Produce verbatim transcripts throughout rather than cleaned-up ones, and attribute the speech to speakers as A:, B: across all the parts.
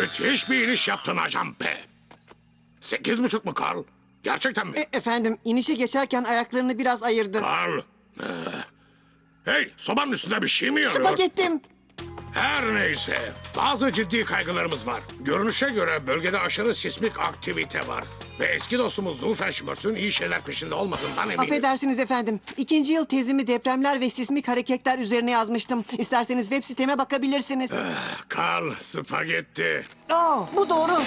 A: Müthiş bir iniş yaptın Ajan P. Sekiz buçuk mu Karl? Gerçekten mi?
B: E, efendim, inişe geçerken ayaklarını biraz ayırdı.
A: Karl. ee, Hey, sobanın üstünde bir şey mi yanıyor?
B: Spagettim.
A: Her neyse, bazı ciddi kaygılarımız var. Görünüşe göre bölgede aşırı sismik aktivite var. Ve eski dostumuz Doofenshmirtz'ün iyi şeyler peşinde olmadığından eminiz.
B: Affedersiniz efendim. İkinci yıl tezimi depremler ve sismik hareketler üzerine yazmıştım. İsterseniz web siteme bakabilirsiniz.
A: Karl, spagetti.
B: Aa, bu doğru.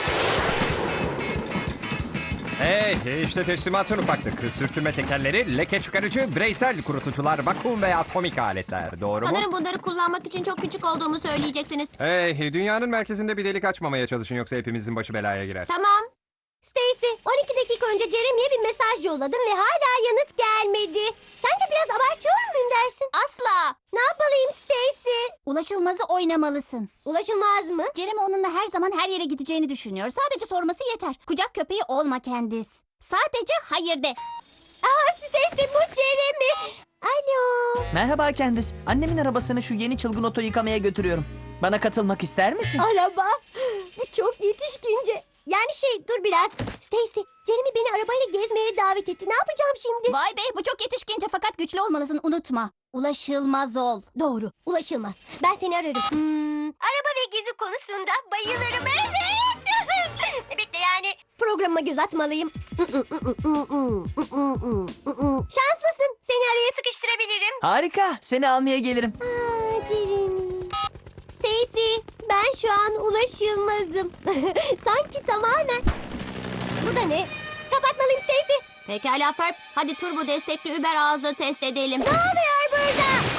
C: Hey, işte teslimatın ufaklık. Sürtünme tekerleri, leke çıkarıcı, bireysel kurutucular, vakum ve atomik aletler. Doğru mu?
D: Sanırım bunları kullanmak için çok küçük olduğumu söyleyeceksiniz.
C: Hey, dünyanın merkezinde bir delik açmamaya çalışın yoksa hepimizin başı belaya girer.
D: Tamam. Stacy, on iki dakika önce Jeremy'ye bir mesaj yolladım ve hala yanıt gelmedi. Sence biraz abartıyor muyum dersin? Asla. Ne yapmalıyım Stacy?
E: Ulaşılmazı oynamalısın.
D: Ulaşılmaz mı?
E: Jeremy onunla her zaman her yere gideceğini düşünüyor. Sadece sorması yeter. Kucak köpeği olma Candice. Sadece hayır de.
D: Aa Stacy, bu Jeremy. Alo.
F: Merhaba Candice. Annemin arabasını şu yeni çılgın oto yıkamaya götürüyorum. Bana katılmak ister misin?
D: Araba. Bu çok yetişkince. Yani şey dur biraz. Stacy, Jeremy beni arabayla gezmeye davet etti. Ne yapacağım şimdi?
E: Vay be, bu çok yetişkince fakat güçlü olmalısın, unutma. Ulaşılmaz ol.
D: Doğru. Ulaşılmaz. Ben seni ararım. Hmm. Araba ve gezi konusunda bayılırım. Evet. Bekle yani. Programa göz atmalıyım. Şanslısın. Seni araya sıkıştırabilirim.
F: Harika. Seni almaya gelirim.
D: Aa, Jeremy. Stacy, ben şu an ulaşılmazım. Sanki tamamen. Bu da ne? Kapatmalıyım Stacy. Pekala Ferb. Hadi turbo destekli Uber ağzı test edelim. Ne oluyor burada?